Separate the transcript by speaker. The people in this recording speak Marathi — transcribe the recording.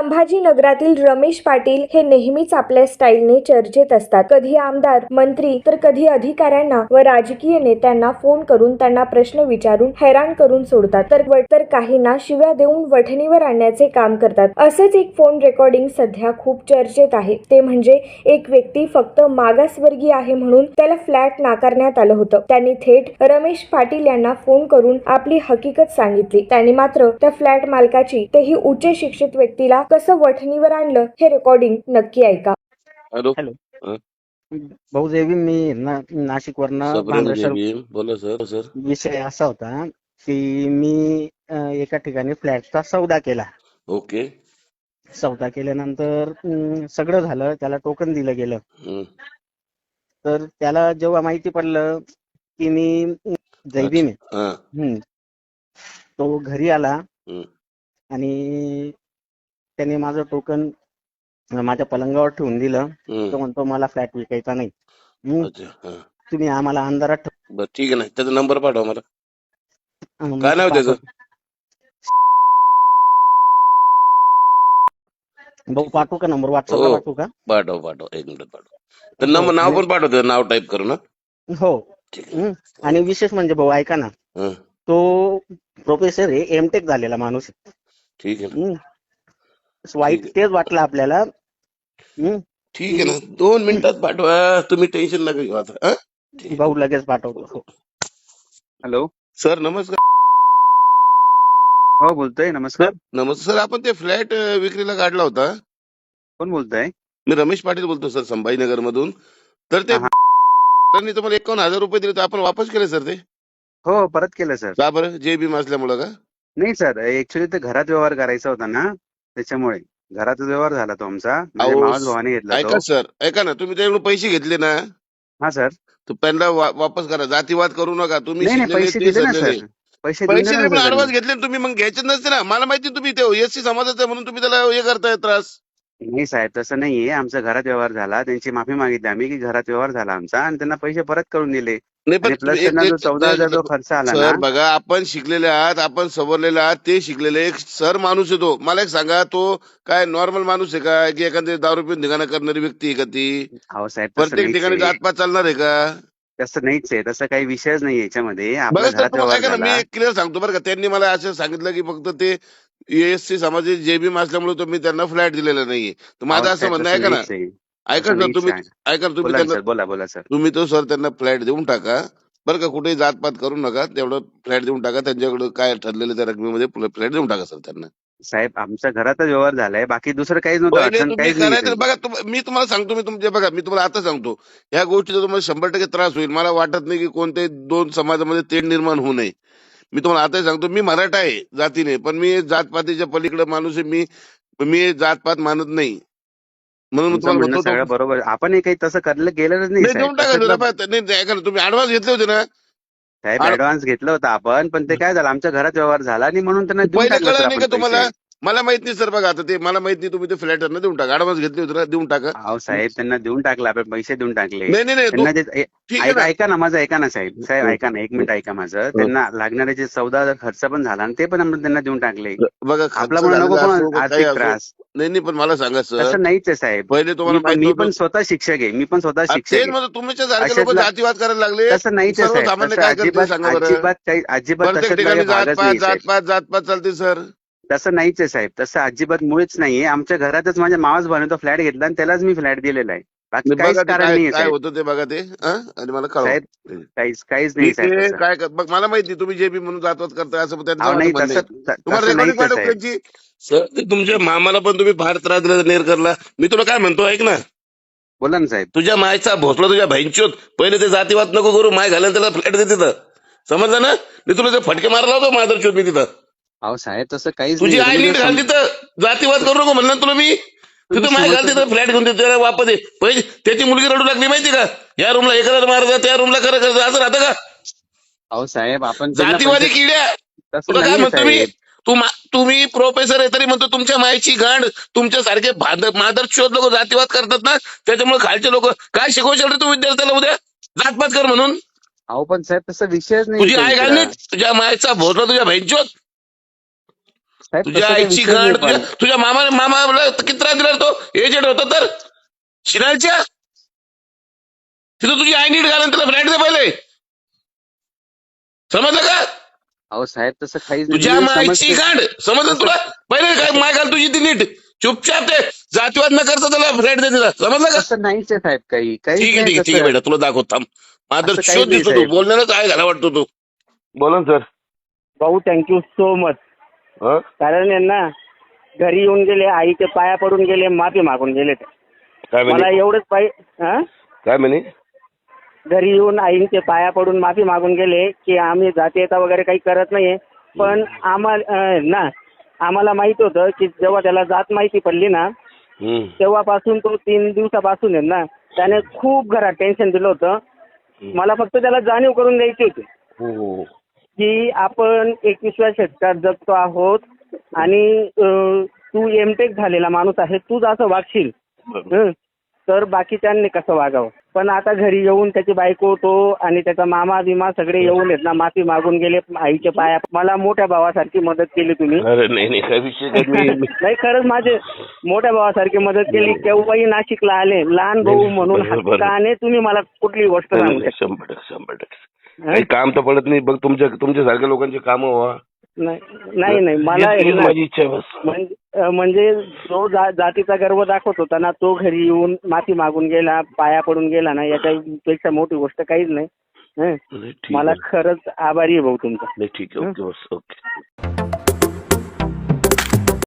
Speaker 1: संभाजीनगरातील रमेश पाटील हे नेहमीच आपल्या स्टाईलने चर्चेत असतात. कधी आमदार, मंत्री तर कधी अधिकाऱ्यांना व राजकीय नेत्यांना फोन करून त्यांना प्रश्न विचारून हैराण करून सोडतात, तर काहींना शिव्या देऊन वठणीवर आणण्याचे काम करतात. असेच एक फोन रेकॉर्डिंग सध्या खूप चर्चेत आहे. ते म्हणजे एक व्यक्ती फक्त मागासवर्गीय आहे म्हणून त्याला फ्लॅट नाकारण्यात आलं होतं. त्यांनी थेट रमेश पाटील यांना फोन करून आपली हकीकत सांगितली. त्यांनी मात्र त्या फ्लॅट मालकाची, तेही उच्च शिक्षित व्यक्तीला, कसं वठणीवर आणलं हे रेकॉर्डिंग नक्की ऐका.
Speaker 2: हॅलो.
Speaker 3: हॅलो. भाऊ जय भीम. मी नाशिक वरनं
Speaker 2: बोला सर.
Speaker 3: विषय असा होता की मी एका ठिकाणी फ्लॅटचा सौदा केला.
Speaker 2: ओके.
Speaker 3: सौदा केल्यानंतर सगळं झालं, त्याला टोकन दिलं गेलं. तर त्याला जेव्हा माहिती पडलं की मी जय भीम आहे, तो घरी आला आणि त्याने माझं टोकन माझ्या पलंगावर ठेवून दिलं. तो म्हणतो मला फ्लॅट विकायचा नाही, तुम्ही आम्हाला अंधारात
Speaker 2: बरं ठीक आहे ना, त्याचा नंबर पाठवा मला.
Speaker 3: ठेव.
Speaker 2: काय नाव त्याचं?
Speaker 3: भाऊ पाठवू का नंबर? व्हॉट्सअपला पाठवू का?
Speaker 2: पाठव 1 मिनिट पाठव. तर नाव पण पाठवतो, नाव टाईप करू ना.
Speaker 3: हो. आणि विशेष म्हणजे भाऊ ऐका ना, तो प्रोफेसर आहे, एमटेक झालेला माणूस आहे.
Speaker 2: ठीक आहे ना.
Speaker 3: वाईट तेच वाटलं आपल्याला.
Speaker 2: ठीक आहे ना, 2 मिनिटात पाठवा, तुम्ही टेन्शन नका घेऊ आता.
Speaker 3: भाऊ लगेच पाठवतो. हो.
Speaker 4: हॅलो
Speaker 2: सर नमस्कार.
Speaker 4: हो बोलतोय. नमस्कार.
Speaker 2: नमस्कार सर, आपण ते फ्लॅट विक्रीला काढला होता.
Speaker 4: कोण बोलताय?
Speaker 2: मी रमेश पाटील बोलतो सर, संभाजीनगर मधून. तर ते त्यांनी तुम्हाला 51,000 रुपये दिले, तर आपण वापस केले सर ते.
Speaker 4: हो परत केलं सर.
Speaker 2: का बरं? जे भीम असल्यामुळं का?
Speaker 4: नाही सर, ऍक्च्युली ते घरात व्यवहार करायचा होता ना, त्याच्यामुळे घरात व्यवहार झाला तो आमचा. म्हणजे मावस भावाने घेतला तो.
Speaker 2: ऐका सर, ऐका ना, तुम्ही त्याच्याकडून पैसे घेतले ना,
Speaker 4: हा सर.
Speaker 2: तर त्यांना वापस करा. जातीवाद करू नका. तुम्ही
Speaker 4: नाही नाही, पैसे दिले ना सर. पैसे दिले ना सर.
Speaker 2: ऍडव्हान्स घेतले ना तुम्ही, मग घ्यायचे नसते ना. मला माहिती तुम्ही ते एससी समाजाचा म्हणून तुम्ही त्याला हे करताय त्रास.
Speaker 4: नाही साहेब, तसं नाहीये. आमचा घरात व्यवहार झाला, त्यांची माफी मागितली आम्ही की घरात व्यवहार झाला आमचा, आणि त्यांना पैसे परत करून दिले.
Speaker 2: नाही पण
Speaker 4: प्लस त्यांना जो 14,000 जो खर्च आला ना.
Speaker 2: सर बघा, आपण शिकलेले आहात, आपण सवरलेले आहात, ते शिकलेले. एक सर माणूस आहे तो. मला एक सांगा, तो काय नॉर्मल माणूस आहे का, की एखादी दारू पिऊन धिंगाणा करणारी व्यक्ती आहे का ती?
Speaker 4: हो साहेब,
Speaker 2: प्रत्येक ठिकाणी जातपात चालणार आहे का?
Speaker 4: तसं नाहीच आहे. तसं काही विषयच नाही याच्यामध्ये.
Speaker 2: बघा
Speaker 4: आपल्या
Speaker 2: सर,
Speaker 4: घरात
Speaker 2: तुम्हाला
Speaker 4: व्यवहार
Speaker 2: काय ना, मी
Speaker 4: झाला.
Speaker 2: एक क्लिअर सांगतो बरं का. त्यांनी मला असं सांगितलं की फक्त ते एससी समाजाचे जे भीम असल्यामुळे तुम्ही त्यांना फ्लॅट दिलेला नाहीये. तर माझं असं म्हणणं आहे का ना, ऐका सर तुम्ही, ऐका तुम्ही त्यांना,
Speaker 4: बोला सर.
Speaker 2: तुम्ही तो सर त्यांना फ्लॅट देऊन टाका बरं का. कुठेही जातपात करू नका, तेवढं फ्लॅट देऊन टाका. त्यांच्याकडे काय ठरलेलं त्या रकमेमध्ये फ्लॅट देऊन टाका सर त्यांना.
Speaker 4: साहेब आमचा घरातच व्यवहार झालाय, बाकी दुसरं काहीच नव्हतं.
Speaker 2: पहिले
Speaker 4: अडचण
Speaker 2: तुम्ही
Speaker 4: काहीच
Speaker 2: करायचं
Speaker 4: नाही.
Speaker 2: बघा. मी तुम्हाला सांगतो, मी तुमच्या बघा, मी तुम्हाला आता सांगतो, ह्या गोष्टीचा तुम्हाला 100% त्रास होईल. मला वाटत नाही की कोणत्याही 2 समाजामध्ये तेढ निर्माण होऊ नये. मी तुम्हाला आता सांगतो, मी मराठा आहे जातीने, पण मी जातपातीच्या पलीकडे माणूस आहे. मी जातपात मानत नाही, म्हणून
Speaker 4: तुमचं
Speaker 2: तुम्हाला
Speaker 4: म्हणणं
Speaker 2: म्हणतो
Speaker 4: सगळं बरोबर. आपण काही तसं गेलेलंच नाही
Speaker 2: देऊन टाका. नाही ऐका ना, तुम्ही ऍडव्हान्स घेतले होते ना
Speaker 4: साहेब. ऍडव्हान्स घेतलं होतं आपण, पण ते काय झालं, आमच्या घरात व्यवहार झाला आणि म्हणून त्यांना देऊन
Speaker 2: पहिले
Speaker 4: टाकलं
Speaker 2: कळलं
Speaker 4: सर
Speaker 2: नाही का
Speaker 4: आपण
Speaker 2: तुम्हाला?
Speaker 4: पैसे.
Speaker 2: मला माहित नाही सर. बघा आता ते मला माहित नाही, तुम्ही ते फ्लॅट देऊन टाका. ऍडव्हान्स घेतले होते ना, देऊन टाका.
Speaker 4: अहो साहेब, त्यांना देऊन टाकलं आपण, पैसे देऊन टाकले.
Speaker 2: नाही
Speaker 4: त्यांना
Speaker 2: ठीक आहे ना.
Speaker 4: ऐका ना माझं, ऐका ना साहेब. साहेब ऐका ना, 1 मिनिट ऐका माझं. त्यांना लागणारे जे 14,000 खर्च पण झाला आणि ते पण आपण त्यांना देऊन टाकले.
Speaker 2: बघा
Speaker 4: आपला म्हणून नको पण आर्थिक त्रास.
Speaker 2: नाही पण मला सांगा सर,
Speaker 4: तसं नाहीच आहे साहेब.
Speaker 2: पहिले तुम्हाला
Speaker 4: मी पण स्वतः शिक्षक आहे. मी पण स्वतः शिक्षक
Speaker 2: तेच
Speaker 4: आहे.
Speaker 2: म्हणजे तुमच्या सारखे लोक जातीवाद करायला लागले.
Speaker 4: तसं नाहीच आहे साहेब.
Speaker 2: सर्वसामान्य
Speaker 4: तसं
Speaker 2: काय करते
Speaker 4: अजिबात
Speaker 2: सांगा बरं.
Speaker 4: अजिबात
Speaker 2: प्रत्येक
Speaker 4: तशातला
Speaker 2: ठिकाणी
Speaker 4: काही भागच नाही साहेब.
Speaker 2: जातपात चालते सर.
Speaker 4: तसं नाहीच आहे साहेब. तसं अजिबात मुळीच नाहीये. आमच्या घरातच माझ्या मावस भावाने तो फ्लॅट घेतला आणि त्यालाच मी फ्लॅट दिलेला आहे. बाकी काहीच कारण नाहीये
Speaker 2: काय
Speaker 4: साहेब.
Speaker 2: होतं ते बघा ते, आणि मला कळवा.
Speaker 4: साहेब काहीच नाही साहेब. तसं.
Speaker 2: काय बघ, मला माहिती तुम्ही जे बी म्हणून जातवाद करताय असं त्यांचं
Speaker 4: अहो नाही,
Speaker 2: म्हणणं आहे. तुम्हाला
Speaker 4: तसं नाहीच
Speaker 2: रेकॉर्डिंग
Speaker 4: आहे
Speaker 2: पाठवू
Speaker 4: साहेब.
Speaker 2: त्याची. सर ते तुमच्या मामाला पण तुम्ही फार त्रास दिला नेरकरला. मी तुला काय म्हणतो ऐक ना,
Speaker 4: बोला ना साहेब.
Speaker 2: तुझ्या मायचा भोसला तुझ्या बहिणचोत. पहिले ते जातीवाद नको करू. माय घालेल त्याला फ्लॅट दे तिथं, समजलं ना. मी तुला ते फटके मारला होतो मादरचोत मी तिथं.
Speaker 4: अहो साहेब तसं काहीच
Speaker 2: तुझी आई नीट घाल तिथं. जातीवाद करू नको म्हणलं तुला मी. तिथं माय घाल तिथं, फ्लॅट घेऊन त्याला वापस दे. पहिले त्याची मुलगी रडू लागली माहिती का, या रूमला हे करायला मारत, त्या रूमला करायचं, असं राहतं का?
Speaker 4: अहो साहेब आपण
Speaker 2: जातीवादी किड्या. तुला काय म्हणतो मी, तुम्ही प्रोफेसर आहे तरी म्हणतो तुमच्या मायची गांड. तुमच्यासारखे मादरचोद लोक जातीवाद करतात ना, त्याच्यामुळे खालचे लोक काय शिकवशाल रे तू विद्यार्थ्याला उद्या जातपात कर म्हणून?
Speaker 4: अहो पण साहेब तसं विषयच नाही.
Speaker 2: तुझी आई घाल नीट. तुझ्या मायचा भोसला तुझ्या बहिणचोद.
Speaker 3: साहेब
Speaker 2: तुझ्या
Speaker 3: तसं काही
Speaker 2: आईची
Speaker 3: विषय नाही
Speaker 2: गांड
Speaker 3: पण
Speaker 2: तुझ्या मामाला किती त्रास दिला तो एजंट होता तर शिनालच्या तिथं तुझी आई नीट घालून त्याला फ्लॅट दे पहिले समजलं का
Speaker 4: अहो साहेब तसं काहीच नाही
Speaker 2: तुझ्या
Speaker 4: मी
Speaker 2: मायची
Speaker 4: समजते
Speaker 2: गांड समजलं तुला पहिले काय माय घाल तुझी ती नीट चुपचाप ते जातीवाद न करता त्याला फ्लॅट दे तिला समजलं का
Speaker 4: तसं नाहीच आहे साहेब काही काहीच
Speaker 2: ठीक आहे
Speaker 4: नाही
Speaker 2: ठीक आहे ठीक आहे
Speaker 4: तसं.
Speaker 2: बेटा तुला दाखवत थांब माझा
Speaker 4: असं
Speaker 2: शोध
Speaker 4: काहीच नाही
Speaker 2: दिसतो तू
Speaker 4: साहेब.
Speaker 2: बोलण्यालाच आहे घाला वाटतो तू बोला सर
Speaker 3: भाऊ थँक्यू सो मच. कारण यांना घरी येऊन गेले, आईचे पाया पडून गेले, माफी मागून गेले.
Speaker 2: काय
Speaker 3: मला
Speaker 2: म्हणे
Speaker 3: एवढंच पाहिजे.
Speaker 2: काय म्हणे
Speaker 3: घरी येऊन आईंचे पाया पडून माफी मागून गेले की आम्ही जातीयता वगैरे काही करत नाहीये, पण आम्हाला माहित होतं की जेव्हा त्याला जात माहिती पडली ना तेव्हापासून तो 3 दिवसापासून आहे ना त्याने खूप घरात टेन्शन दिलं होतं. मला फक्त त्याला जाणीव करून द्यायची होती की आपण 21व्या शतकात जगतो आहोत आणि तू एमटेक झालेला माणूस आहे, तूच असं वागशील तर बाकीच्यांनी कसं वागावं. पण आता घरी येऊन त्याची बायको तो आणि त्याचा मामा बिमा सगळे येऊन आहेत ना माफी मागून गेले आईच्या पाया. मला मोठ्या भावासारखी मदत केली तुम्ही.
Speaker 2: अरे नाही काय विषय
Speaker 3: नाही खरंच माझे मोठ्या भावासारखी मदत केली. केव्हाही नाशिकला आले लहान भाऊ म्हणून हक्काने तुम्ही मला कुठली गोष्ट सांगू शकता.
Speaker 2: 100% काही काम तर पडत नाही बघ तुमच्यासारख्या लोकांची कामं व्हा.
Speaker 3: नाही मला
Speaker 2: माझी इच्छा बस
Speaker 3: म्हणजे जो जातीचा गर्व दाखवत होता ना तो घरी येऊन माफी मागून गेला, पाया पडून गेला ना, याच्यापेक्षा मोठी गोष्ट काहीच नाही. मला खरंच आभारी आहे भाऊ तुमचा.
Speaker 2: ठीक आहे ओके.